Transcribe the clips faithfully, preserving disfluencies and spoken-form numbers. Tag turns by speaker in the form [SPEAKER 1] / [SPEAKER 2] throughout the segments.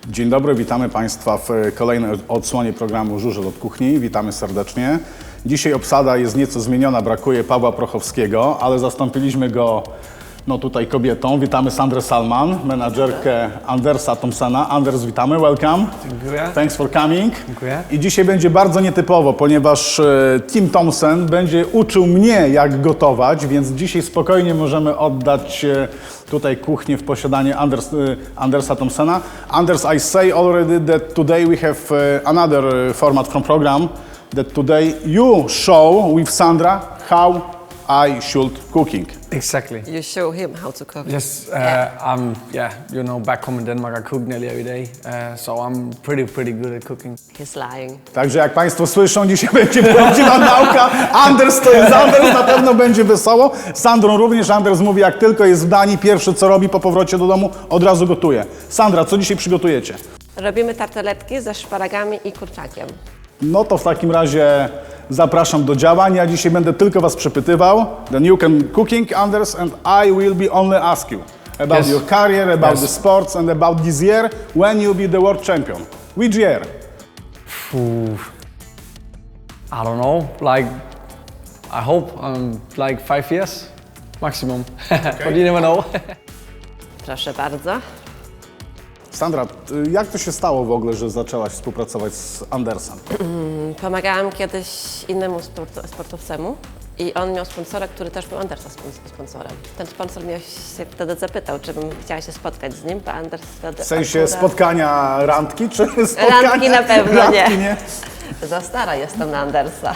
[SPEAKER 1] Dzień dobry, witamy Państwa w kolejnej odsłonie programu Żużel od Kuchni. Witamy serdecznie. Dzisiaj obsada jest nieco zmieniona, brakuje Pawła Prochowskiego, ale zastąpiliśmy go no, tutaj kobietą. Witamy Sandrę Salman, menadżerkę Andersa Thompsona. Anders, witamy, welcome.
[SPEAKER 2] Dziękuję.
[SPEAKER 1] Thanks for coming.
[SPEAKER 2] Dziękuję.
[SPEAKER 1] I dzisiaj będzie bardzo nietypowo, ponieważ e, Tim Thompson będzie uczył mnie, jak gotować, więc dzisiaj spokojnie możemy oddać e, tutaj kuchnię w posiadanie Anders, e, Andersa Thompsona. Anders, I say already that today we have e, another e, format from program, that today you show with Sandra how I should cooking.
[SPEAKER 2] Exactly.
[SPEAKER 3] You show him how to cook.
[SPEAKER 2] Yes, uh, I'm, yeah, you know, back home in Denmark, I cook nearly every day, uh, so I'm pretty, pretty good at cooking.
[SPEAKER 3] He's lying.
[SPEAKER 1] Także jak Państwo słyszą, dzisiaj będzie prawdziwa nauka. Anders to jest Anders, na pewno będzie wesoło. Sandrą również. Anders mówi, jak tylko jest w Danii, pierwsze co robi po powrocie do domu, od razu gotuje. Sandra, co dzisiaj przygotujecie?
[SPEAKER 3] Robimy tarteletki ze szparagami i kurczakiem.
[SPEAKER 1] No to w takim razie zapraszam do działań. Ja dzisiaj będę tylko Was przepytywał. Then you can cooking, Anders, and I will be only ask you about
[SPEAKER 2] Yes.
[SPEAKER 1] your career, about
[SPEAKER 2] Yes.
[SPEAKER 1] the sports, and about this year when you be the world champion. Which year?
[SPEAKER 2] Oof. I don't know, like, I hope um, like five years maximum, but you never know.
[SPEAKER 3] Proszę bardzo.
[SPEAKER 1] Sandra, y, jak to się stało w ogóle, że zaczęłaś współpracować z Andersem?
[SPEAKER 3] Pomagałam kiedyś innemu sport- sportowcemu i on miał sponsora, który też był Andersa spon- sponsorem. Ten sponsor mnie się wtedy zapytał, czy bym chciała się spotkać z nim, bo Anders wtedy
[SPEAKER 1] W sensie
[SPEAKER 3] akurat...
[SPEAKER 1] spotkania randki, czy spotkania...
[SPEAKER 3] Randki na pewno
[SPEAKER 1] randki,
[SPEAKER 3] nie. Za stara jestem na Andersa.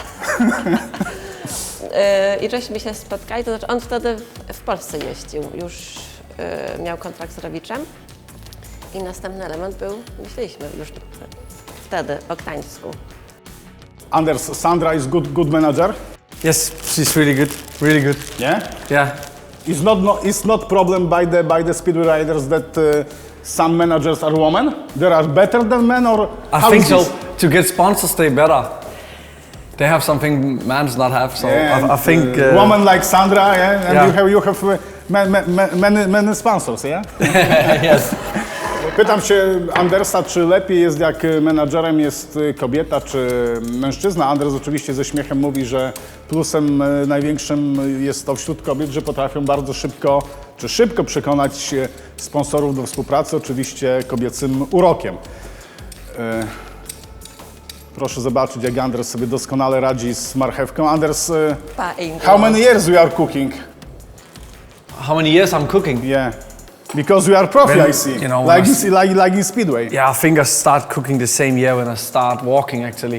[SPEAKER 3] Yy, I żeśmy się spotkali, to znaczy on wtedy w Polsce jeździł, już yy, miał kontrakt z Rowiczem. I następny element był, myśleliśmy już wtedy o Gdańsku.
[SPEAKER 1] Anders, Sandra is good, good manager?
[SPEAKER 2] Yes, she's really good, really good.
[SPEAKER 1] Yeah?
[SPEAKER 2] Yeah,
[SPEAKER 1] It's not, no, it's not problem by the, by the speedway riders that uh, some managers are women? They are better than men, or
[SPEAKER 2] I
[SPEAKER 1] how
[SPEAKER 2] think
[SPEAKER 1] is
[SPEAKER 2] so.
[SPEAKER 1] this?
[SPEAKER 2] To get sponsors, they better. They have something man's not have, so
[SPEAKER 1] Yeah,
[SPEAKER 2] I, I
[SPEAKER 1] and,
[SPEAKER 2] think.
[SPEAKER 1] uh, woman like Sandra, yeah, and
[SPEAKER 2] Yeah.
[SPEAKER 1] you have, you have uh, ma- ma- ma- many, many sponsors, yeah?
[SPEAKER 2] Yes.
[SPEAKER 1] Pytam się Andersa, czy lepiej jest, jak menadżerem jest kobieta, czy mężczyzna. Anders oczywiście ze śmiechem mówi, że plusem e, największym jest to wśród kobiet, że potrafią bardzo szybko, czy szybko przekonać sponsorów do współpracy, oczywiście kobiecym urokiem. E, Proszę zobaczyć, jak Anders sobie doskonale radzi z marchewką. Anders, e,
[SPEAKER 3] Fine.
[SPEAKER 1] how many years you are cooking?
[SPEAKER 2] How many years I'm cooking?
[SPEAKER 1] Yeah, because you are profi,
[SPEAKER 2] When,
[SPEAKER 1] I see,
[SPEAKER 2] you know,
[SPEAKER 1] like,
[SPEAKER 2] when I
[SPEAKER 1] in, like, like in Speedway.
[SPEAKER 2] Yeah, I think I start cooking the same year when I start walking actually.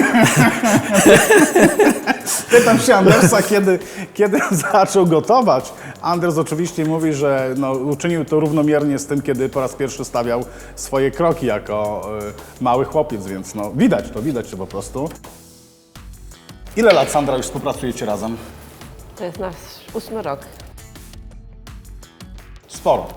[SPEAKER 1] Pytam się Andersa, kiedy, kiedy zaczął gotować. Anders oczywiście mówi, że no, uczynił to równomiernie z tym, kiedy po raz pierwszy stawiał swoje kroki jako y, mały chłopiec, więc no, widać to, widać to po prostu. Ile lat, Sandra, już współpracujecie razem?
[SPEAKER 3] To jest nasz ósmy rok.
[SPEAKER 1] Sporo.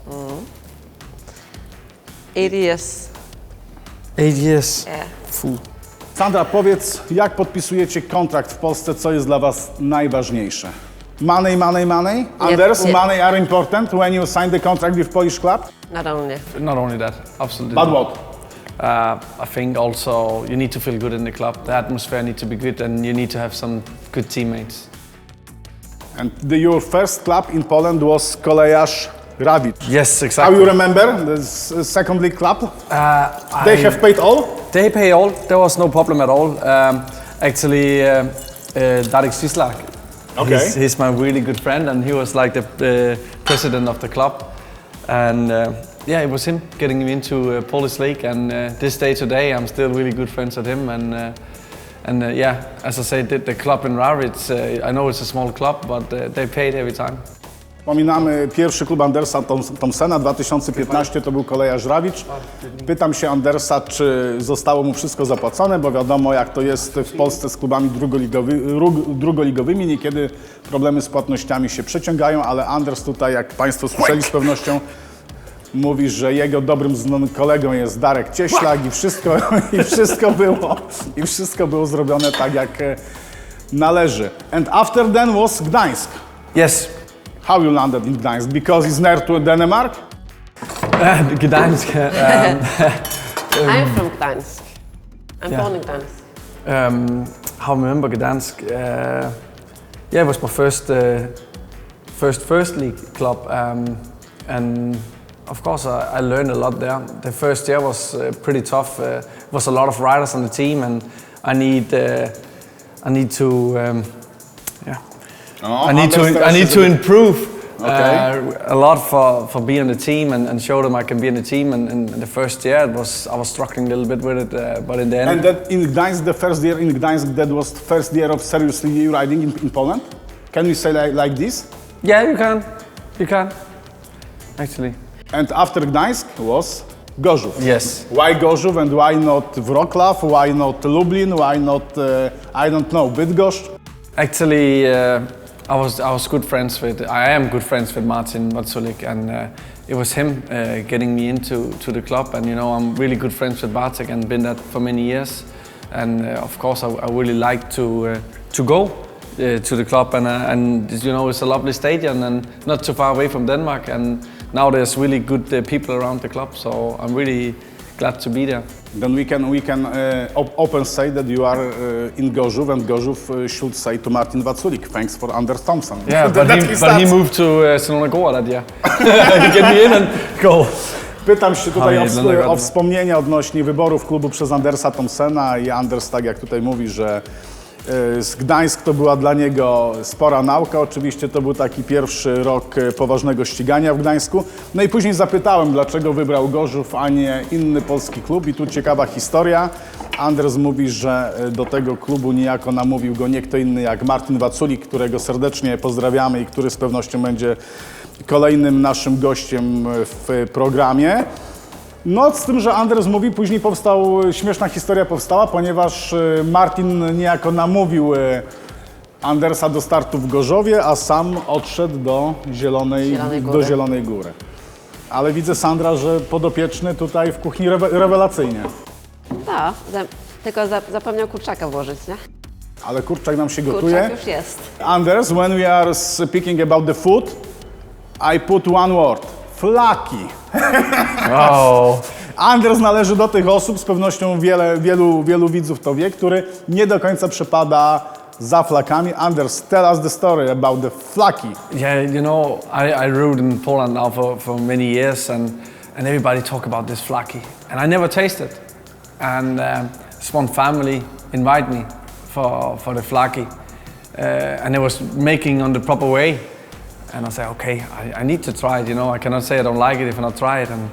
[SPEAKER 3] Eight years.
[SPEAKER 2] Eight years.
[SPEAKER 3] Yeah.
[SPEAKER 2] Fuh.
[SPEAKER 1] Sandra, powiedz, jak podpisujecie kontrakt w Polsce, co jest dla Was najważniejsze? Money, money, money? Anders,
[SPEAKER 3] nie.
[SPEAKER 1] money are important when you sign the contract with Polish club?
[SPEAKER 3] Not only.
[SPEAKER 2] Not only that, absolutely.
[SPEAKER 1] But
[SPEAKER 2] not.
[SPEAKER 1] what?
[SPEAKER 2] Uh, I think also you need to feel good in the club. The atmosphere needs to be good, and you need to have some good teammates.
[SPEAKER 1] And the, your first club in Poland was Kolejarz Rawicz.
[SPEAKER 2] Yes,
[SPEAKER 1] How
[SPEAKER 2] exactly.
[SPEAKER 1] you remember the s- second league club?
[SPEAKER 2] Uh,
[SPEAKER 1] They
[SPEAKER 2] I-
[SPEAKER 1] have paid all?
[SPEAKER 2] They pay all. There was no problem at all. Um, actually, uh, uh, Darek Sislak.
[SPEAKER 1] Okay.
[SPEAKER 2] He's, he's my really good friend, and he was like the uh, president of the club. And uh, yeah, it was him getting me into uh, Polish League. And uh, this day today, I'm still really good friends with him. And uh, and uh, yeah, as I said, the, the club in Rawitz, uh, I know it's a small club, but uh, they paid every time.
[SPEAKER 1] Wspominamy pierwszy klub Andersa Thoms- Thompsona, dwa tysiące piętnaście to był Kolejarz Rawicz. Pytam się Andersa, czy zostało mu wszystko zapłacone, bo wiadomo, jak to jest w Polsce z klubami drugoligowy, rug- drugoligowymi, niekiedy problemy z płatnościami się przeciągają, ale Anders tutaj, jak Państwo słyszeli z pewnością, mówi, że jego dobrym znanym kolegą jest Darek Cieślak i wszystko, i wszystko było, i wszystko było zrobione tak, jak e, należy. And after then was Gdańsk.
[SPEAKER 2] Yes.
[SPEAKER 1] How you landed in Gdańsk? Because it's near to Denmark?
[SPEAKER 2] Uh, Gdansk. Um,
[SPEAKER 3] I'm from Gdańsk. I'm
[SPEAKER 2] Yeah.
[SPEAKER 3] born in Gdańsk.
[SPEAKER 2] Um, how I remember Gdansk? Uh, yeah, it was my first, uh, first first league club, um, and of course I, I learned a lot there. The first year was uh, pretty tough. Uh, was a lot of riders on the team, and I need uh, I need to um, yeah
[SPEAKER 1] Oh,
[SPEAKER 2] I need to
[SPEAKER 1] Anders
[SPEAKER 2] I need
[SPEAKER 1] is
[SPEAKER 2] to
[SPEAKER 1] a bit-
[SPEAKER 2] improve.
[SPEAKER 1] Okay.
[SPEAKER 2] Uh, a lot for, for being on the team and, and show them I can be in the team. And, and the first year it was I was struggling a little bit with it, uh, but in the end.
[SPEAKER 1] And that in Gdańsk, the first year in Gdańsk, that was the first year of seriously riding in, in Poland? Can we say like, like this?
[SPEAKER 2] Yeah, you can. You can. Actually.
[SPEAKER 1] And after Gdańsk was Gorzów.
[SPEAKER 2] Yes.
[SPEAKER 1] Why Gorzów and why not Wrocław? Why not Lublin? Why not, uh, I don't know, Bydgoszcz?
[SPEAKER 2] Actually, uh, I was I was good friends with. I am good friends with Martin Watsulik, and uh, it was him uh, getting me into to the club. And you know, I'm really good friends with Bartek and been that for many years. And uh, of course, I, I really like to uh, to go uh, to the club. And uh, and you know, it's a lovely stadium and not too far away from Denmark. And now there's really good uh, people around the club, so I'm really glad to be there.
[SPEAKER 1] Then we can we can uh, op- open say that you are uh, in Gorzów, and Gorzów uh, should say to Martin Watsulik, thanks for Anders Thompson.
[SPEAKER 2] Yeah,
[SPEAKER 1] That-
[SPEAKER 2] but
[SPEAKER 1] that
[SPEAKER 2] he,
[SPEAKER 1] is
[SPEAKER 2] but he
[SPEAKER 1] that.
[SPEAKER 2] moved to uh, Sinona that year. He get me in and go.
[SPEAKER 1] Pytam się tutaj o,
[SPEAKER 2] Ale
[SPEAKER 1] wsp-
[SPEAKER 2] jednego-
[SPEAKER 1] o wspomnienia odnośnie wyborów klubu przez Andersa Thompsona i Anders, tak jak tutaj mówi, że y, z Gdańsk to była dla niego spora nauka. Oczywiście to był taki pierwszy rok y, poważnego ścigania w Gdańsku. No i później zapytałem, dlaczego wybrał Gorzów, a nie inny polski klub. I tu ciekawa historia. Anders mówi, że y, do tego klubu niejako namówił go nie kto inny jak Martin Watsulik, którego serdecznie pozdrawiamy i który z pewnością będzie kolejnym naszym gościem w programie. No, z tym, że Anders mówi, później powstał, śmieszna historia powstała, ponieważ y, Martin niejako namówił y, Andersa do startu w Gorzowie, a sam odszedł do Zielonej,
[SPEAKER 3] Zielonej
[SPEAKER 1] do
[SPEAKER 3] Góry.
[SPEAKER 1] Zielonej Góry. Ale widzę, Sandra, że podopieczny tutaj w kuchni rewe, rewelacyjnie.
[SPEAKER 3] No, za, tylko za, zapomniał kurczaka włożyć, nie?
[SPEAKER 1] Ale kurczak nam się gotuje.
[SPEAKER 3] Kurczak już jest.
[SPEAKER 1] Anders, when we are speaking about the food, I put one word. Flaki.
[SPEAKER 2] Oh.
[SPEAKER 1] Anders należy do tych osób, z pewnością wiele, wielu, wielu widzów to wie, który nie do końca przepada za flakami. Anders, tell us the story about the flaki.
[SPEAKER 2] Yeah, you know, I, I rode in Poland now for, for many years, and, and everybody talk about this flaki, and I never tasted. And um, this one family invited me for, for the flaki, uh, and it was making on the proper way. And I said, okay, I, I need to try it. You know, I cannot say I don't like it if I not try it. And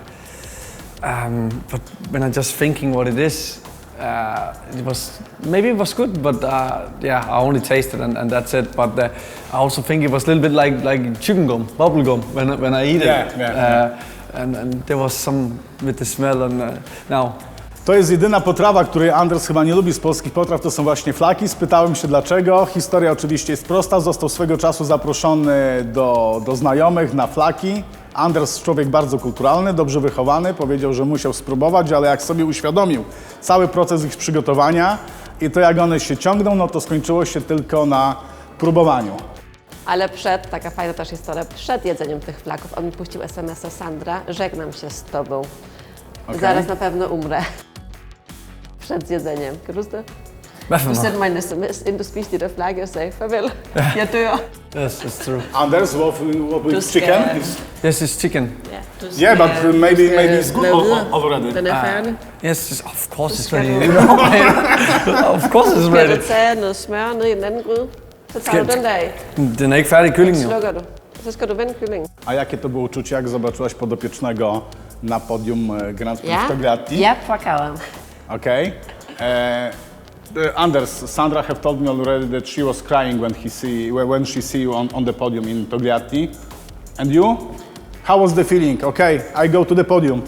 [SPEAKER 2] um, but when I just thinking what it is, uh, it was maybe it was good, but uh, yeah, I only tasted and, and that's it. But uh, I also think it was a little bit like like chewing gum, bubble gum when I- when I eat
[SPEAKER 1] Yeah,
[SPEAKER 2] it.
[SPEAKER 1] yeah,
[SPEAKER 2] uh, And, and there was some with the smell. And uh, now,
[SPEAKER 1] To jest jedyna potrawa, której Anders chyba nie lubi z polskich potraw, to są właśnie flaki. Spytałem się dlaczego. Historia oczywiście jest prosta. Został swego czasu zaproszony do, do znajomych na flaki. Anders, człowiek bardzo kulturalny, dobrze wychowany, powiedział, że musiał spróbować, ale jak sobie uświadomił cały proces ich przygotowania i to jak one się ciągną, no to skończyło się tylko na próbowaniu.
[SPEAKER 3] Ale przed, taka fajna też historia, przed jedzeniem tych flaków on mi puścił es em es a Sandra, żegnam się z tobą.
[SPEAKER 1] Okej.
[SPEAKER 3] Zaraz na pewno umrę. Przed zjedzeniem. Kan du huske det?
[SPEAKER 2] Hvorfor
[SPEAKER 3] Du
[SPEAKER 2] nå?
[SPEAKER 3] sendte mig en es em es, inden du spiste de der flakke og sagde, farvel, jeg dør.
[SPEAKER 2] Yes, it's true.
[SPEAKER 1] Anders, what, what with
[SPEAKER 3] Du skal-
[SPEAKER 1] chicken?
[SPEAKER 2] Yes, it's chicken.
[SPEAKER 3] Ja, du
[SPEAKER 1] Yeah, but
[SPEAKER 3] skal-
[SPEAKER 1] maybe
[SPEAKER 3] du skal
[SPEAKER 1] maybe it's good
[SPEAKER 3] lave
[SPEAKER 1] al-
[SPEAKER 3] videre.
[SPEAKER 1] al- already.
[SPEAKER 3] Den er færdig.
[SPEAKER 2] Yes, it's, of course it's
[SPEAKER 3] skal
[SPEAKER 2] ready.
[SPEAKER 3] du-
[SPEAKER 2] You know, of course it's
[SPEAKER 3] Skal
[SPEAKER 2] ready.
[SPEAKER 3] du tage noget smør ned i en anden gryde? Så tager
[SPEAKER 2] Skal-
[SPEAKER 3] du den der af,
[SPEAKER 2] Den er ikke færdig, kyllingen jo.
[SPEAKER 3] slukker du. Så skal du vende kyllingen.
[SPEAKER 1] A jakie to było uczucie, jak zobaczyłaś podopiecznego na podium e, Grand Prix
[SPEAKER 3] Ja,
[SPEAKER 1] w Togliatti?
[SPEAKER 3] ja płakałam.
[SPEAKER 1] Okay. Uh, the- Anders, Sandra have told me already that she was crying when he see when when she see you on, on the podium in Togliatti. And you? How was the feeling? Okay, I go to the podium.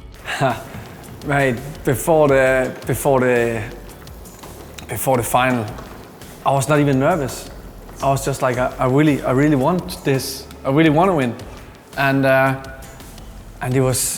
[SPEAKER 2] Mate, before the before the before the final, I was not even nervous. I was just like, I, I really, I really want this. I really want to win, and uh, and it was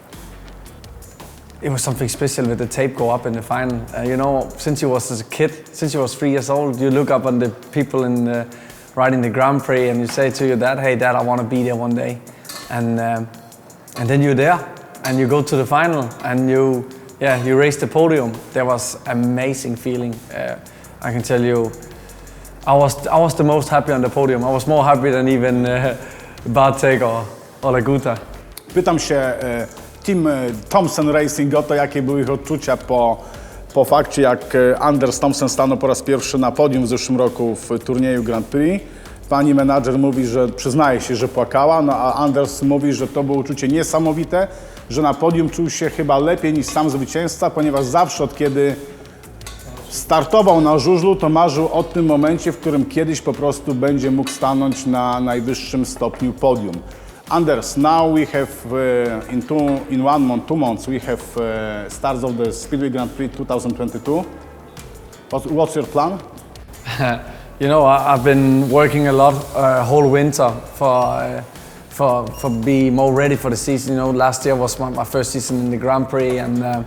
[SPEAKER 2] it was something special with the tape go up in the final. Uh, you know, since you was as a kid, since you was three years old, you look up on the people in the, riding the Grand Prix, and you say to your dad, "Hey, Dad, I want to be there one day," and um, and then you're there. and you go to the final and you, yeah, you raise the podium. That was amazing feeling. Uh, I can tell you, I was I was the most happy on the podium. I was more happy than even uh, Bartek or, or Laguta.
[SPEAKER 1] Pytam się e, Team e, Thompson Racing o to, jakie były ich odczucia po, po fakcie, jak e, Anders Thompson stanął po raz pierwszy na podium w zeszłym roku w turnieju Grand Prix. Pani menadżer mówi, że przyznaje się, że płakała, no a Anders mówi, że to było uczucie niesamowite, że na podium czuł się chyba lepiej niż sam zwycięzca, ponieważ zawsze od kiedy startował na żużlu, to marzył o tym momencie, w którym kiedyś po prostu będzie mógł stanąć na najwyższym stopniu podium. Anders, now we have uh, in two, in one month, two months, we have uh, starts of the Speedway Grand Prix twenty twenty-two. What, what's your plan?
[SPEAKER 2] You know, I, I've been working a lot uh, whole winter for uh, for for be more ready for the season. You know, last year was my, my first season in the Grand Prix, and uh,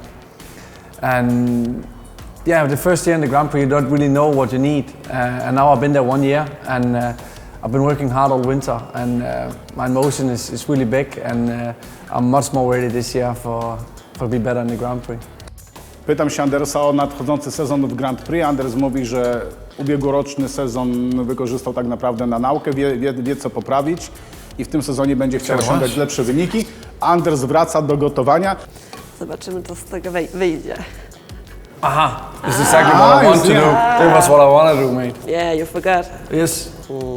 [SPEAKER 2] and yeah, the first year in the Grand Prix you don't really know what you need. Uh, and now I've been there one year, and uh, I've been working hard all winter, and uh, my motion is, is really big, and uh, I'm much more ready this year for for be better in the Grand Prix.
[SPEAKER 1] Pytam się Andersa o nadchodzący sezon w Grand Prix. Anders mówi, że ubiegłoroczny sezon wykorzystał tak naprawdę na naukę, wie, wie, wie co poprawić i w tym sezonie będzie chciał osiągać lepsze wyniki. Anders wraca do gotowania.
[SPEAKER 3] Zobaczymy, co z tego wej- wyjdzie.
[SPEAKER 2] Aha, this is exactly what I
[SPEAKER 1] Ah,
[SPEAKER 2] want to
[SPEAKER 1] you
[SPEAKER 2] do. That was what I want to do, mate.
[SPEAKER 3] Yeah, you forgot.
[SPEAKER 2] Yes.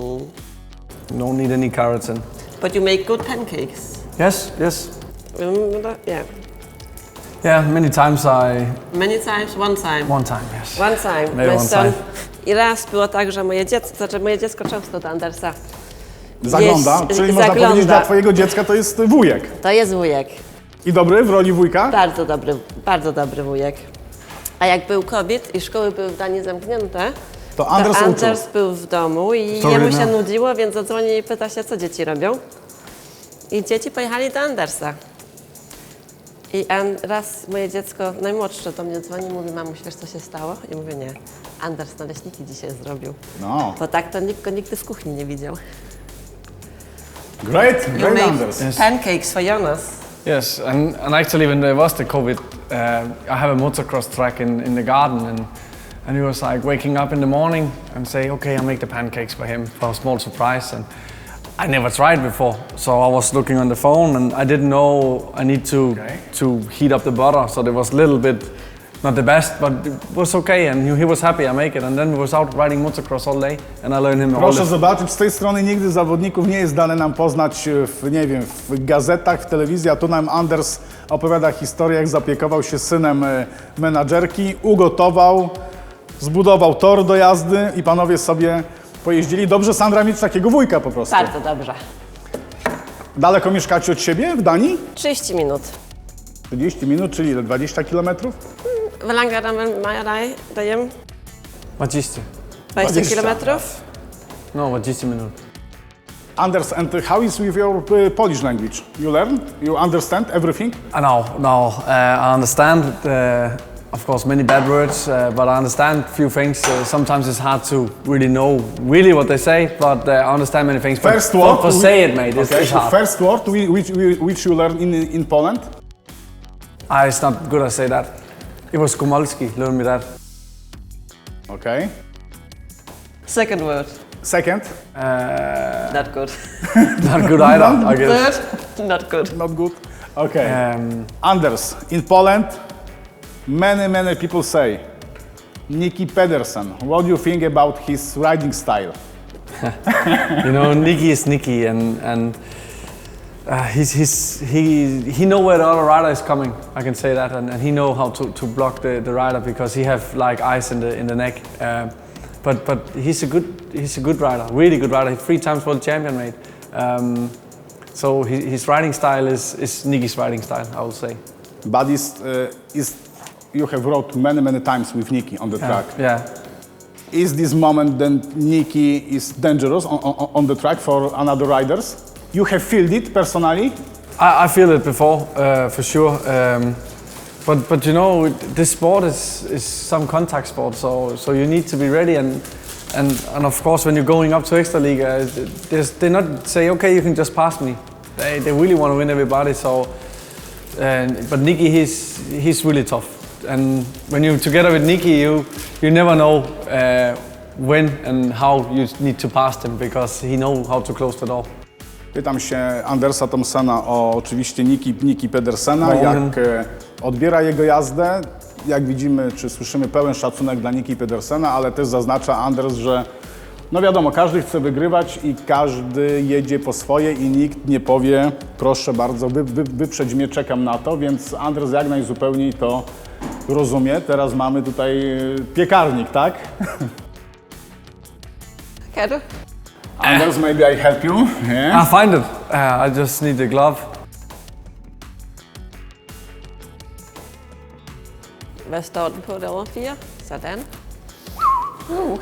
[SPEAKER 2] Don't need any keratin.
[SPEAKER 3] But you make good pancakes.
[SPEAKER 2] Yes, yes.
[SPEAKER 3] Remember that? Yeah.
[SPEAKER 2] Yeah, many times I...
[SPEAKER 3] Many times, one time.
[SPEAKER 2] One time, yes.
[SPEAKER 3] One time.
[SPEAKER 2] Maybe
[SPEAKER 3] My
[SPEAKER 2] one
[SPEAKER 3] son.
[SPEAKER 2] time.
[SPEAKER 3] I raz było tak, że moje dziecko, znaczy moje dziecko często do Andersa
[SPEAKER 1] Zagląda,
[SPEAKER 3] Jest-
[SPEAKER 1] czyli można
[SPEAKER 3] zagląda.
[SPEAKER 1] powiedzieć, dla twojego dziecka to jest wujek.
[SPEAKER 3] To jest wujek.
[SPEAKER 1] I dobry w roli wujka?
[SPEAKER 3] Bardzo dobry, bardzo dobry wujek. A jak był COVID i szkoły były w Danii zamknięte,
[SPEAKER 1] To Anders uczył.
[SPEAKER 3] Anders był w domu i
[SPEAKER 2] Sorry,
[SPEAKER 3] jemu się
[SPEAKER 2] no.
[SPEAKER 3] nudziło, więc zadzwoni i pyta się, co dzieci robią. I dzieci pojechali do Andersa. I an, raz moje dziecko, najmłodsze, do mnie dzwoni i mówi, mamuś, wiesz co się stało? I mówię, nie, Anders naleśniki dzisiaj zrobił.
[SPEAKER 1] No,
[SPEAKER 3] Bo tak to nikt go nigdy w kuchni nie widział.
[SPEAKER 1] great, great Anders.
[SPEAKER 2] Yes.
[SPEAKER 3] Pancakes for Jonas.
[SPEAKER 2] Yes, and, and actually when there was the COVID, uh, I have a motocross track in, in the garden, and and he was like waking up in the morning and say, okay, I'll make the pancakes for him for a small surprise. And I never tried before, so I was looking on the phone and I didn't know I need to
[SPEAKER 1] Okay.
[SPEAKER 2] to heat up the butter, so there was a little bit, not the best, but it was okay, and he, he was happy I make it. And then we was out riding motocross all day, and I learned him all
[SPEAKER 1] Proszę
[SPEAKER 2] the
[SPEAKER 1] zobaczyć, z tej strony nigdy zawodników nie jest dane nam poznać w, nie wiem, w gazetach, w telewizji, a tu nam Anders opowiada historię, jak zaopiekował się synem e, menadżerki, ugotował, zbudował tor do jazdy i panowie sobie pojeździli. Dobrze, Sandra, mieć takiego wujka po prostu.
[SPEAKER 3] Bardzo dobrze.
[SPEAKER 1] Daleko mieszkacie od siebie w Danii?
[SPEAKER 3] trzydzieści minut.
[SPEAKER 1] trzydzieści minut, czyli ile? dwadzieścia kilometrów?
[SPEAKER 3] Hoe lang gaan we Majerij, dajem?
[SPEAKER 2] dwadzieścia.
[SPEAKER 3] dwadzieścia
[SPEAKER 1] dwadzieścia.
[SPEAKER 3] kilometrów?
[SPEAKER 2] No, dwadzieścia minut.
[SPEAKER 1] Anders, and how is with your uh, Polish language? You learn? You understand everything?
[SPEAKER 2] I know, no, uh, I understand, uh, of course, many bad words, uh, but I understand few things. Uh, sometimes it's hard to really know really what they say, but uh, I understand many things. But
[SPEAKER 1] First
[SPEAKER 2] for,
[SPEAKER 1] word,
[SPEAKER 2] for
[SPEAKER 1] we-
[SPEAKER 2] say it, mate, it's,
[SPEAKER 1] Okay,
[SPEAKER 2] it's
[SPEAKER 1] so
[SPEAKER 2] hard.
[SPEAKER 1] first word whi- which, which you learn in, in Poland?
[SPEAKER 2] Ah, it's not good I say that. It was Komolski, learned me that.
[SPEAKER 1] Okay.
[SPEAKER 3] Second word.
[SPEAKER 1] Second?
[SPEAKER 2] Uh,
[SPEAKER 3] Not good.
[SPEAKER 2] not good either, I guess.
[SPEAKER 3] Third? Not good.
[SPEAKER 1] Not good. Okay.
[SPEAKER 2] Um,
[SPEAKER 1] Anders, in Poland, many, many people say, Niki Pedersen, what do you think about his riding style?
[SPEAKER 2] you know, Nicky is Nicky, and and uh, he's, he's he he know where the other rider is coming. I can say that, and, and he know how to, to block the, the rider because he have like ice in the in the neck. Um, but but he's a good he's a good rider, really good rider. He's three times world champion, mate. Um, so his, his riding style is is Nicky's riding style, I would say.
[SPEAKER 1] But is, uh, is, you have rode many, many times with Niki on the track.
[SPEAKER 2] Yeah.
[SPEAKER 1] Is this moment that Niki is dangerous on, on, on the track for another riders? You have felt it personally?
[SPEAKER 2] I, I feel it before, uh, for sure. Um, but but you know, this sport is, is some contact sport, so so you need to be ready. And and, and of course, when you're going up to Extra League, uh, there's- they not say, okay, you can just pass me. They, they really want to win everybody. So And, but Nicky, he's he's really tough. And when you're together with Nicky, you you never know uh, when and how you need to pass him because he knows how to close the door.
[SPEAKER 1] Pytam się Andersa Thompsona o oczywiście Niki, Niki Pedersena,
[SPEAKER 2] No,
[SPEAKER 1] jak
[SPEAKER 2] on-
[SPEAKER 1] e, odbiera jego jazdę. Jak widzimy, czy słyszymy pełen szacunek dla Niki Pedersena, ale też zaznacza Anders, że no wiadomo, każdy chce wygrywać i każdy jedzie po swoje i nikt nie powie, proszę bardzo, wy, wy, wyprzedź mnie, czekam na to, więc Anders jak najzupełniej to rozumie. Teraz mamy tutaj e, piekarnik, tak?
[SPEAKER 3] Quero?
[SPEAKER 1] Anders, maybe I help you? Yeah.
[SPEAKER 2] I find it. Uh, I just need the glove.
[SPEAKER 3] Hvad står den på derovre? Fire? Sådan. Uh.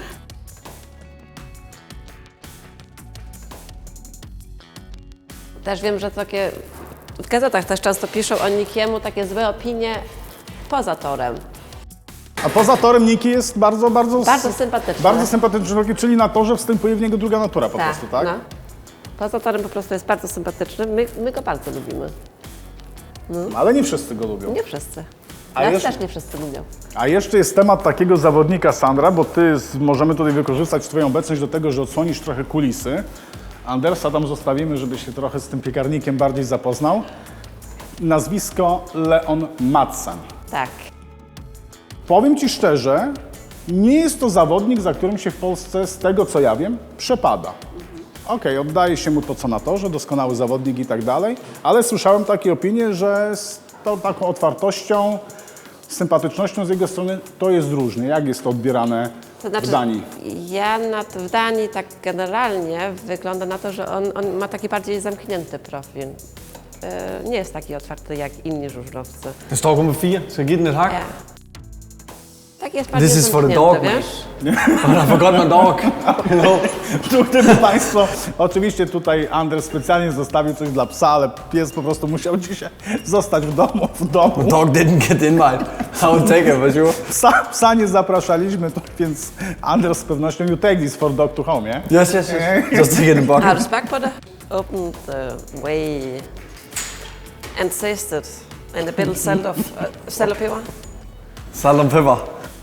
[SPEAKER 3] Też wiem, że takie w gazetach też często piszą o Nikiemu takie złe opinie poza torem.
[SPEAKER 1] A poza torem Niki jest bardzo, bardzo...
[SPEAKER 3] Bardzo sympatyczny.
[SPEAKER 1] Bardzo sympatyczny człowiek, czyli na torze wstępuje w niego druga natura po prostu, tak?
[SPEAKER 3] No. Poza torem po prostu jest bardzo sympatyczny. My, my go bardzo lubimy.
[SPEAKER 1] Ale nie wszyscy go lubią.
[SPEAKER 3] Nie wszyscy.
[SPEAKER 1] A
[SPEAKER 3] Nas
[SPEAKER 1] jeszcze-
[SPEAKER 3] też nie wszyscy lubią.
[SPEAKER 1] A jeszcze jest temat takiego zawodnika, Sandra, bo ty z, możemy tutaj wykorzystać twoją obecność do tego, że odsłonisz trochę kulisy. Andersa tam zostawimy, żeby się trochę z tym piekarnikiem bardziej zapoznał. Nazwisko Leon Madsen.
[SPEAKER 3] Tak.
[SPEAKER 1] Powiem ci szczerze, nie jest to zawodnik, za którym się w Polsce, z tego co ja wiem, przepada. Okej, oddaje się mu to co na torze, doskonały zawodnik i tak dalej, ale słyszałem takie opinie, że z tą taką otwartością, sympatycznością z jego strony to jest różnie. Jak jest to odbierane
[SPEAKER 3] To znaczy,
[SPEAKER 1] w Danii?
[SPEAKER 3] ja na, w Danii tak generalnie wygląda na to, że on, on ma taki bardziej zamknięty profil. E, nie jest taki otwarty jak inni żużlowcy.
[SPEAKER 2] Den står kun med fire, så giv den et hak.
[SPEAKER 3] Ja. Tak jest bardziej
[SPEAKER 2] This is for the
[SPEAKER 3] zamknięty,
[SPEAKER 2] dog, man.
[SPEAKER 3] wiesz?
[SPEAKER 2] But I forgot my dog. You know?
[SPEAKER 1] Tu, gdyby Państwo, oczywiście tutaj Anders specjalnie zostawił coś dla psa, ale pies po prostu musiał dzisiaj zostać w domu, w domu.
[SPEAKER 2] Dog didn't get the invite. I would take it for sure.
[SPEAKER 1] Psa, psa nie zapraszaliśmy, to, więc Anders z pewnością you take this for dog to home, nie?
[SPEAKER 2] Yes, yes, yes. Just take it in the
[SPEAKER 3] Har du
[SPEAKER 2] bucket.
[SPEAKER 3] smagt på det? Open the way and taste it. And a bit salt of, uh, salt og peber.
[SPEAKER 2] Salt and pepper.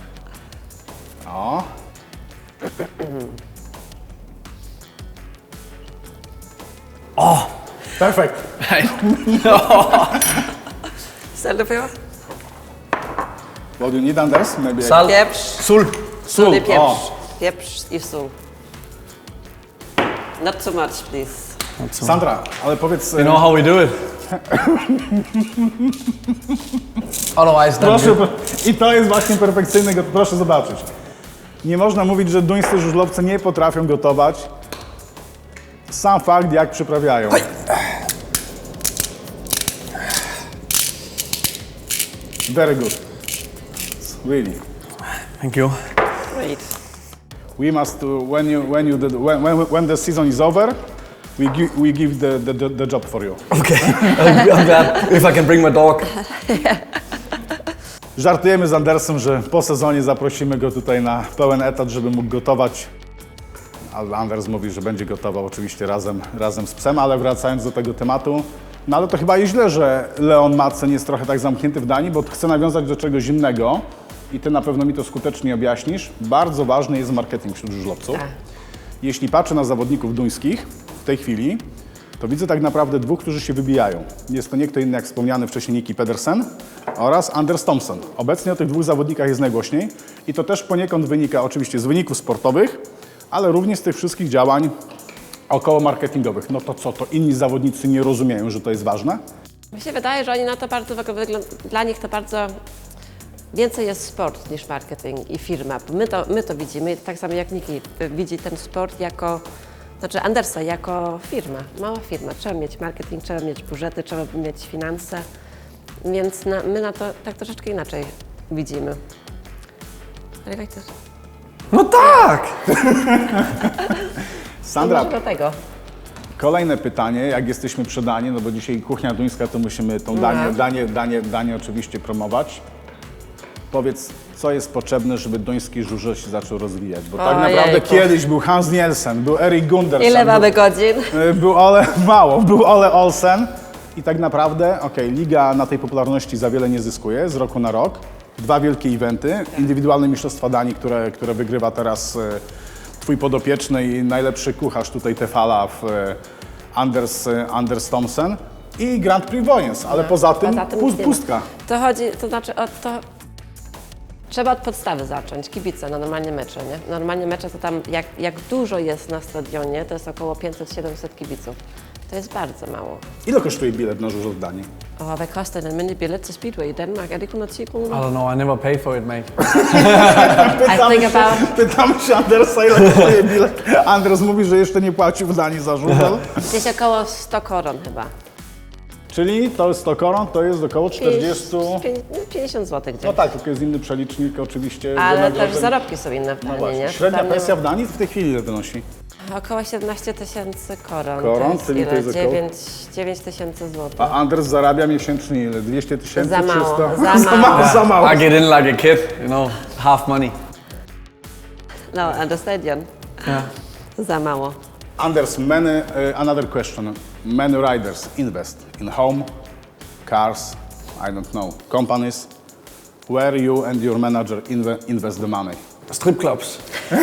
[SPEAKER 1] O.
[SPEAKER 2] Oh,
[SPEAKER 1] Perfekt.
[SPEAKER 3] Salt og peber.
[SPEAKER 1] What do you need, Anders? Maybe I-
[SPEAKER 2] salt.
[SPEAKER 3] Pieprz.
[SPEAKER 2] Sul.
[SPEAKER 3] Sól i
[SPEAKER 1] o.
[SPEAKER 3] pieprz. Pieprz i sól. Not too much, please.
[SPEAKER 1] Sandra, ale powiedz...
[SPEAKER 2] You know how we do it. Otherwise, then
[SPEAKER 1] Proszę, i to jest właśnie perfekcyjne, go- proszę zobaczyć. Nie można mówić, że duńscy żużlowcy nie potrafią gotować. Sam fakt, jak przyprawiają. Very good. Really.
[SPEAKER 2] Thank you.
[SPEAKER 3] Great.
[SPEAKER 1] We must, uh, when you, when you, did, when, when, when the season is over, we give, we give the, the, the, the job for you.
[SPEAKER 2] Okay. I'm glad if I can bring my dog.
[SPEAKER 1] Żartujemy z Andersem, że po sezonie zaprosimy go tutaj na pełen etat, żeby mógł gotować. Ale Anders mówi, że będzie gotował oczywiście razem, razem z psem, ale wracając do tego tematu, no ale to chyba jest źle, że Leon Madsen jest trochę tak zamknięty w Danii, bo chcę nawiązać do czegoś innego i ty na pewno mi to skutecznie objaśnisz. Bardzo ważny jest marketing wśród żużlowców.
[SPEAKER 3] Tak.
[SPEAKER 1] Jeśli patrzę na zawodników duńskich w tej chwili, to widzę tak naprawdę dwóch, którzy się wybijają. Jest to nie kto inny jak wspomniany wcześniej Niki Pedersen oraz Anders Thompson. Obecnie o tych dwóch zawodnikach jest najgłośniej i to też poniekąd wynika oczywiście z wyników sportowych, ale również z tych wszystkich działań około marketingowych. No to co, to inni zawodnicy nie rozumieją, że to jest ważne?
[SPEAKER 3] Mi się wydaje, że oni na to bardzo wygląda, dla nich to bardzo więcej jest sport niż marketing i firma. My to, my to widzimy, tak samo jak Niki widzi ten sport jako, znaczy Andersa jako firma, mała firma. Trzeba mieć marketing, trzeba mieć budżety, trzeba mieć finanse, więc na, my na to tak troszeczkę inaczej widzimy. Ale jak to?
[SPEAKER 2] No tak!
[SPEAKER 1] Sandra,
[SPEAKER 3] Może do tego.
[SPEAKER 1] kolejne pytanie, jak jesteśmy przy Danii, no bo dzisiaj kuchnia duńska, to musimy tą Danię, Danię, Danię, Danię oczywiście promować. Powiedz, co jest potrzebne, żeby duński żużel się zaczął rozwijać? Bo tak
[SPEAKER 3] Ojejku.
[SPEAKER 1] naprawdę kiedyś był Hans Nielsen, był Erik Gundersen,
[SPEAKER 3] Ile mamy
[SPEAKER 1] był,
[SPEAKER 3] godzin?
[SPEAKER 1] y, był Ole, mało, był Ole Olsen, I tak naprawdę, okej, liga na tej popularności za wiele nie zyskuje z roku na rok. Dwa wielkie eventy, indywidualne mistrzostwa Danii, które, które wygrywa teraz e, twój podopieczny i najlepszy kucharz tutaj Tefala w e, Anders, e, Anders Thomsen i Grand Prix Wojens, ale poza tym,
[SPEAKER 3] Poza tym
[SPEAKER 1] pust,
[SPEAKER 3] nic nie ma.
[SPEAKER 1] pustka.
[SPEAKER 3] To chodzi, to znaczy o to... Trzeba od podstawy zacząć, kibice na normalnie mecze, nie? Normalnie mecze to tam, jak, jak dużo jest na stadionie, to jest około pięćset siedemset kibiców. To jest bardzo mało.
[SPEAKER 1] Ile kosztuje bilet na żużel w Danii?
[SPEAKER 3] Og hvad koster en almindelig billet til Speedway i Danmark? Er det hundrede og ti
[SPEAKER 2] I
[SPEAKER 3] kroner?
[SPEAKER 2] don't know, I never pay for it, mate.
[SPEAKER 3] I think about...
[SPEAKER 1] Pytamy się Andersa, ile kosztuje bilet. Anders mówi, że jeszcze nie płacił w Danii za żużel.
[SPEAKER 3] Gdzieś około sto koron chyba.
[SPEAKER 1] Czyli to jest sto koron, to jest około czterdzieści...
[SPEAKER 3] pięćdziesiąt złotych gdzieś.
[SPEAKER 1] No tak, tylko jest inny przelicznik oczywiście.
[SPEAKER 3] Ale
[SPEAKER 1] wynagrodzeń.
[SPEAKER 3] też zarobki są inne w
[SPEAKER 1] No
[SPEAKER 3] Danii,
[SPEAKER 1] właśnie.
[SPEAKER 3] nie?
[SPEAKER 1] Średnia
[SPEAKER 3] Tam nie
[SPEAKER 1] pensja
[SPEAKER 3] ma-
[SPEAKER 1] w Danii w tej chwili ile wynosi?
[SPEAKER 3] Około siedemnaście tysięcy koron.
[SPEAKER 1] Koron,
[SPEAKER 3] to jest
[SPEAKER 1] czyli to
[SPEAKER 3] ile?
[SPEAKER 1] jest około-
[SPEAKER 3] dziewięć dziewięć tysięcy złotych.
[SPEAKER 1] A Anders zarabia miesięcznie ile? dwieście tysięcy?
[SPEAKER 3] Za mało,
[SPEAKER 1] trzysta?
[SPEAKER 3] za
[SPEAKER 1] za mało.
[SPEAKER 3] mało.
[SPEAKER 1] Za mało.
[SPEAKER 2] I get in like a kid, you know, half money.
[SPEAKER 3] No, and the stadion.
[SPEAKER 2] Yeah.
[SPEAKER 3] Za mało.
[SPEAKER 1] Anders, many, uh, another question. Many riders invest in home, cars, I don't know, companies. Where you and your manager inve- invest the money?
[SPEAKER 2] Strip clubs.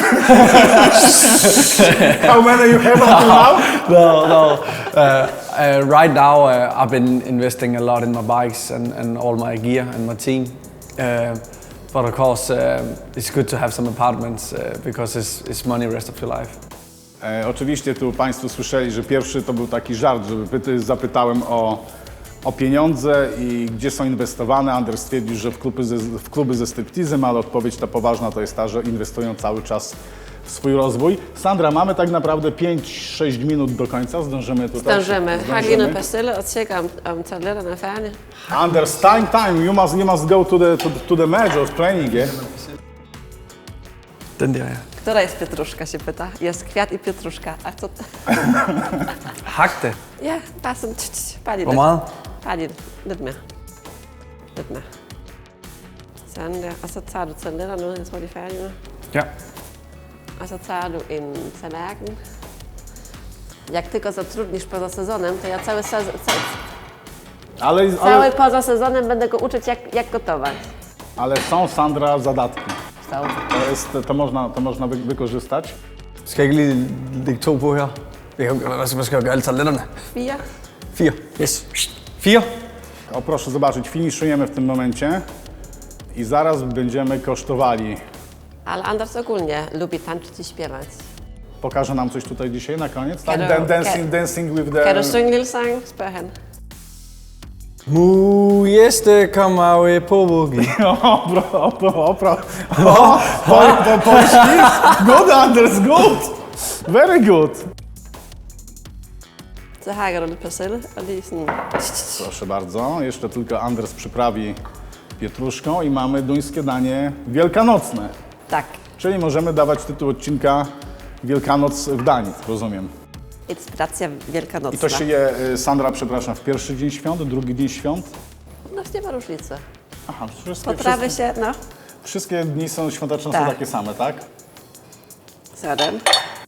[SPEAKER 1] How many you have until now?
[SPEAKER 2] No, no. Uh, uh, right now, uh, I've been investing a lot in my bikes and, and all my gear and my team. Uh, but of course, um it's good to have some apartments uh, because it's, it's money rest of your life.
[SPEAKER 1] E, oczywiście tu Państwo słyszeli, że pierwszy to był taki żart, żeby pyty, zapytałem o, o pieniądze i gdzie są inwestowane. Anders stwierdził, że w kluby ze, w kluby ze striptizem, ale odpowiedź ta poważna to jest ta, że inwestują cały czas w swój rozwój. Sandra, mamy tak naprawdę pięć sześć minut do końca, zdążymy tutaj.
[SPEAKER 3] Zdążymy. Har lige noget persille og tjekke, om, om toiletterne er færdige.
[SPEAKER 1] Anders, time, time, you must, you must go to the, to, to the match or training, yeah?
[SPEAKER 2] Den der, ja.
[SPEAKER 3] Która jest pietruszka, się pyta. Jest kwiat i pietruszka. A co to?
[SPEAKER 2] Hak det.
[SPEAKER 3] Ja, bare sådan, tch, tch, bare lige
[SPEAKER 2] Hvor
[SPEAKER 3] lidt.
[SPEAKER 2] meget?
[SPEAKER 3] Bare lige lidt mere. Lidt mere. Sådan der. Og så tager du toiletterne ud, jeg tror, de er færdige nu.
[SPEAKER 2] Ja.
[SPEAKER 3] A co tager du en tallerken. Jak tylko zatrudnisz poza sezonem, to ja cały, sezon, cały,
[SPEAKER 1] Ale,
[SPEAKER 3] cały
[SPEAKER 1] ale,
[SPEAKER 3] poza sezonem będę go uczyć, jak, jak gotować.
[SPEAKER 1] ale są, Sandra, zadatki.
[SPEAKER 3] So.
[SPEAKER 1] To, jest, to, można, to można wy, wykorzystać.
[SPEAKER 2] Skal jeg ikke lige lægge to på her? Jeg kan, hvad skal, hvad skal jeg gøre alle toiletterne?
[SPEAKER 3] Fire.
[SPEAKER 2] Fire. Yes. Fire.
[SPEAKER 1] O, proszę zobaczyć, finiszujemy w tym momencie i zaraz będziemy kosztowali.
[SPEAKER 3] Ale Anders ogólnie lubi tańczyć i śpiewać.
[SPEAKER 1] Pokaże nam coś tutaj dzisiaj na koniec, tak?
[SPEAKER 3] Kan du-
[SPEAKER 1] Dan- dancing,
[SPEAKER 3] kan-
[SPEAKER 1] dancing with
[SPEAKER 3] Kan du
[SPEAKER 1] the...
[SPEAKER 3] synge en lille sang? Spørger han.
[SPEAKER 2] Mu jeste kommer vi på boogie.
[SPEAKER 1] O, pro, o, pro, o, pro. O, po, po, polski? Good, Anders, good! Very good!
[SPEAKER 3] Så hakker du lidt persille og lige sådan...
[SPEAKER 1] Proszę bardzo, jeszcze tylko Anders przyprawi pietruszką i mamy duńskie danie wielkanocne.
[SPEAKER 3] Tak.
[SPEAKER 1] Czyli możemy dawać tytuł odcinka Wielkanoc w Danii, rozumiem.
[SPEAKER 3] Inspiracja wielkanocna.
[SPEAKER 1] I to się je, y, Sandra, przepraszam, w pierwszy dzień świąt, drugi dzień świąt?
[SPEAKER 3] No nie ma różnicy.
[SPEAKER 1] Aha, wszystkie,
[SPEAKER 3] Potrawy
[SPEAKER 1] wszystkie,
[SPEAKER 3] się, no.
[SPEAKER 1] wszystkie dni są świąteczne,
[SPEAKER 3] Tak.
[SPEAKER 1] są takie same, tak?
[SPEAKER 3] Sådan.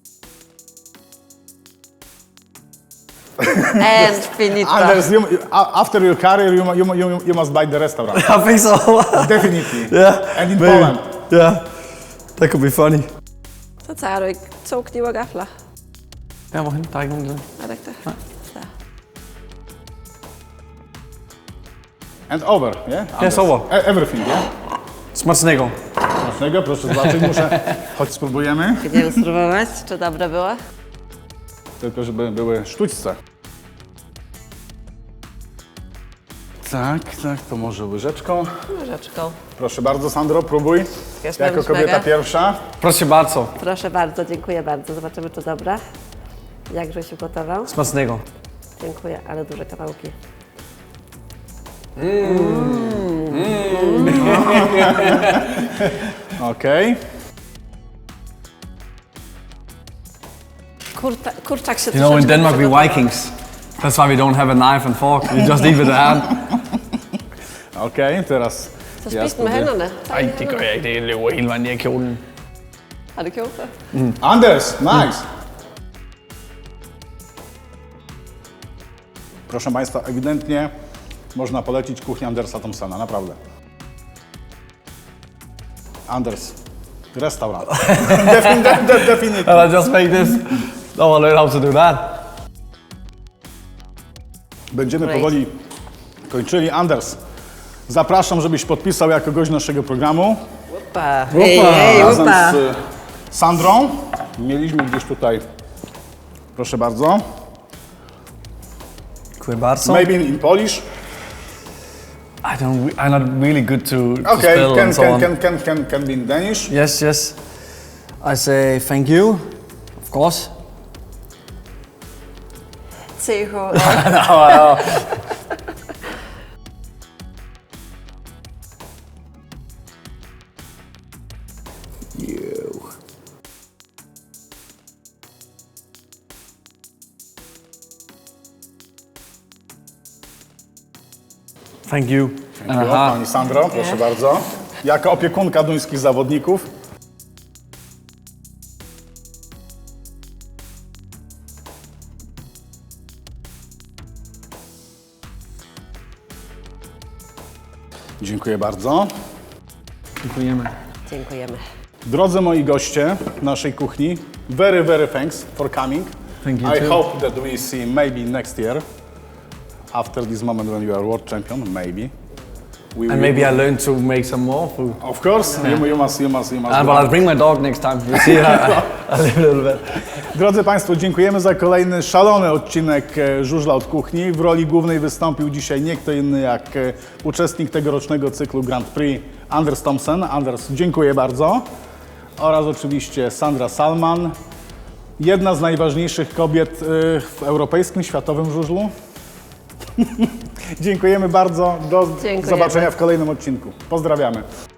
[SPEAKER 3] And finito.
[SPEAKER 1] Anders, you, a- after your career, you, mu- you, mu- you, you must buy the restaurant.
[SPEAKER 2] I think so.
[SPEAKER 1] Definitely.
[SPEAKER 2] Yeah.
[SPEAKER 1] And in
[SPEAKER 2] maybe.
[SPEAKER 1] Poland.
[SPEAKER 2] Yeah. That could be funny.
[SPEAKER 3] Så tager du ikke to knive og gafler.
[SPEAKER 2] Ja, hvorhen? Der er ikke nogen der.
[SPEAKER 3] Er det ikke det? Der.
[SPEAKER 1] And over, yeah? Anders?
[SPEAKER 2] over.
[SPEAKER 1] E- everything, yeah?
[SPEAKER 2] Smacznego.
[SPEAKER 1] Smacznego, proszę zobaczyć, muszę... Choć spróbujemy,
[SPEAKER 3] Będziemy spróbować, czy dobre było?
[SPEAKER 1] tylko żeby były sztućce. Tak, tak, to może łyżeczką.
[SPEAKER 3] Łyżeczką.
[SPEAKER 1] Proszę bardzo, Sandro, próbuj.
[SPEAKER 3] Wiesz,
[SPEAKER 1] Jako
[SPEAKER 3] mam
[SPEAKER 1] kobieta
[SPEAKER 3] szmegę?
[SPEAKER 1] pierwsza.
[SPEAKER 2] Proszę bardzo.
[SPEAKER 3] Proszę bardzo, dziękuję bardzo. Zobaczymy, czy dobre. Jak żeś ugotował?
[SPEAKER 2] Smacznego.
[SPEAKER 3] Dziękuję, ale duże kawałki.
[SPEAKER 1] Okej.
[SPEAKER 3] Kurta, kurczak się
[SPEAKER 2] You know, in
[SPEAKER 3] troszeczkę
[SPEAKER 2] Denmark we
[SPEAKER 3] przygotował.
[SPEAKER 2] Vikings. That's why we don't have a knife and fork. We just eat with the hand.
[SPEAKER 1] Okej, teraz
[SPEAKER 3] Så
[SPEAKER 1] ja
[SPEAKER 3] spis den med
[SPEAKER 1] spróbuję.
[SPEAKER 3] hænderne. Tag
[SPEAKER 2] Ej,
[SPEAKER 3] med
[SPEAKER 2] det gør
[SPEAKER 3] hænderne.
[SPEAKER 2] jeg ikke. Det løber hele vejen ned i kjolen.
[SPEAKER 3] Har du gjort det?
[SPEAKER 1] Anders, nice. Proszę Państwa, ewidentnie można polecić kuchnię Andersa Thompsona, naprawdę. Anders, restaurant. Defin- de- de- Definitely.
[SPEAKER 2] And I just make this. Oh, I learned how to do that.
[SPEAKER 1] Będziemy
[SPEAKER 3] Great.
[SPEAKER 1] powoli kończyli. Anders, zapraszam, żebyś podpisał jako gość naszego programu.
[SPEAKER 3] Upa. Ej, ej,
[SPEAKER 1] Razem
[SPEAKER 3] upa.
[SPEAKER 1] z y, Sandrą. Mieliśmy gdzieś tutaj, proszę bardzo,
[SPEAKER 2] Dziękuję bardzo.
[SPEAKER 1] maybe in Polish.
[SPEAKER 2] I don't. re- I'm not really good to, to
[SPEAKER 1] Okay,
[SPEAKER 2] spell
[SPEAKER 1] can,
[SPEAKER 2] and so
[SPEAKER 1] can,
[SPEAKER 2] on.
[SPEAKER 1] can, can, can, can be in Danish.
[SPEAKER 2] Yes, yes. I say thank you, of course.
[SPEAKER 3] Cicho.
[SPEAKER 2] You. Thank you. And a
[SPEAKER 1] Dziękuję,
[SPEAKER 2] half.
[SPEAKER 1] Pani Sandro, proszę bardzo. Jako opiekunka duńskich zawodników. Dziękuję bardzo.
[SPEAKER 2] Dziękujemy.
[SPEAKER 3] Dziękujemy.
[SPEAKER 1] Drodzy moi goście naszej kuchni, very, very thanks for coming.
[SPEAKER 2] Thank you
[SPEAKER 1] I
[SPEAKER 2] too.
[SPEAKER 1] hope that we see maybe next year, after this moment when you are world champion, maybe. We
[SPEAKER 2] And
[SPEAKER 1] will-
[SPEAKER 2] maybe I learned to make some more food.
[SPEAKER 1] Of course, you, you must, you must, you must.
[SPEAKER 2] And
[SPEAKER 1] do
[SPEAKER 2] but I'll
[SPEAKER 1] that.
[SPEAKER 2] bring my dog next time. You see, I, I live a little bit.
[SPEAKER 1] Drodzy Państwo, dziękujemy za kolejny szalony odcinek e, Żużla od Kuchni. W roli głównej wystąpił dzisiaj nie kto inny jak e, uczestnik tegorocznego cyklu Grand Prix Anders Thompson. Anders, dziękuję bardzo. Oraz oczywiście Sandra Salman, jedna z najważniejszych kobiet e, w europejskim, światowym żużlu. Dziękujemy bardzo. Do
[SPEAKER 3] Dziękujemy.
[SPEAKER 1] zobaczenia w kolejnym odcinku. Pozdrawiamy.